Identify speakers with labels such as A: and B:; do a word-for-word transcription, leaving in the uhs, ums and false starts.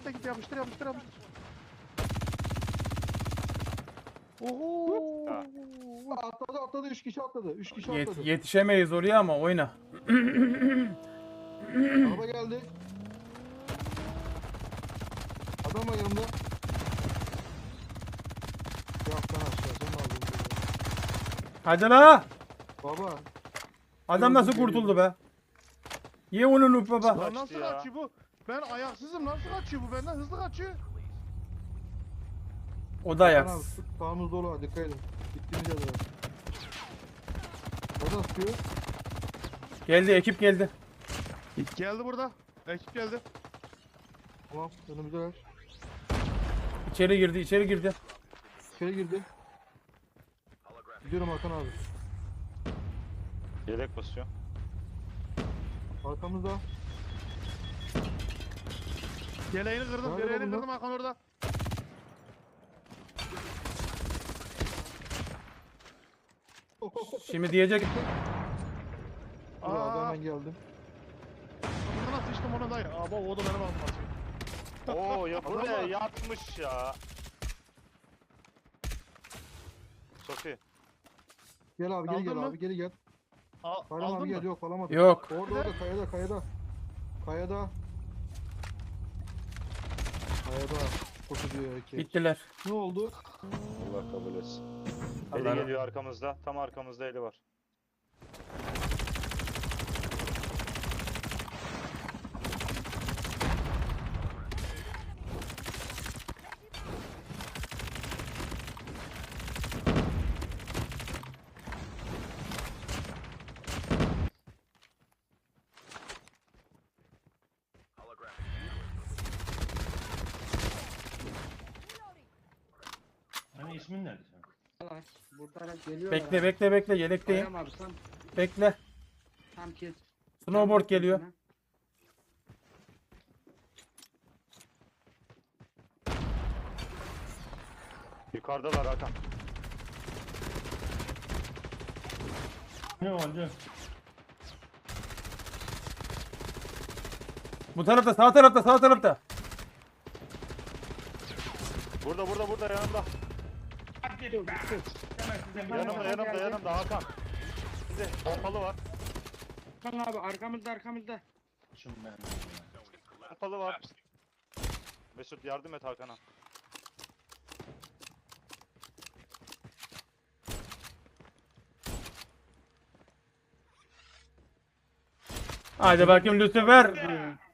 A: git git yapıştır yapıştır yapıştır. Oho.
B: Atladı atladı üç kişi atladı. üç kişi
C: Yet
B: atladı.
C: yetişemeyiz oraya ama oyna.
B: Araba geldi. Adam var yanımda. Yaptan aşağı sen ne yapıyorsun?
C: Hadi la.
B: Baba.
C: Adam nasıl kurtuldu be? Ye onu Nuh baba.
A: Lan nasıl
D: ya.
A: kaçıyor bu? Ben ayaksızım, nasıl kaçıyor bu? Benden hızlı kaçıyor.
C: O da
B: Hakan abi,
C: ayaksız.
B: sağımız dolu ha, dikkat edin. Gittiğimiz yerlere. Nereden sıkıyor?
C: Geldi ekip geldi.
A: Geldi burada. Ekip geldi.
B: Tamam önümüze ver.
C: İçeri girdi içeri girdi.
B: İçeri girdi. Gidiyorum Hakan abi.
D: Yelek basıyor.
B: Arkamızda.
A: Yeleğini kırdım,
B: Nerede
A: yeleğini
B: bunlar?
A: kırdım Hakan orada.
C: Şimdi diyecek
B: Dur abi
A: Aa,
B: hemen geldim.
A: bunu nasıl içtim ona dayı? Aa bak o da benim aldım atıyor.
D: Oo ya
A: Adama
D: buraya
A: bak.
D: yatmış ya. Sofi.
B: Gel abi geri
A: Aldın
B: gel
A: mı?
B: abi geri gel.
A: Al,
B: Bayram
A: aldın
B: abi
A: mı?
B: gel yok alamadım.
C: yok.
B: Orada orada kayada kayada. Kayada. Kayada. Koşu diyor erkek.
C: Bittiler.
B: Ne oldu?
D: Allah kabul etsin.
C: Allah-
D: Eli geliyor arkamızda. Tam arkamızda eli var.
E: Hani ismin nerede sen?
F: Var. Burada geliyorlar.
C: Bekle bekle bekle yelekteyim.
F: Bayram abi tam
C: Bekle.
F: tam kes.
C: Snowboard geliyor.
D: Yukarıdalar Hakan.
E: Ne oldu?
C: Bu tarafta sağ tarafta sağ tarafta.
D: Burada burada burada yanımda.
E: Hadi dur. Hemen sizden bir
D: Yanımda
F: Hakan
D: yanımda
F: geldi.
D: yanımda Hakan. Bize pompalı var.
F: Hakan abi arkamızda arkamızda.
E: Şunu ben.
D: Pompalı var. Mesut yardım et Hakan'a.
C: Hadi bakayım Lucifer.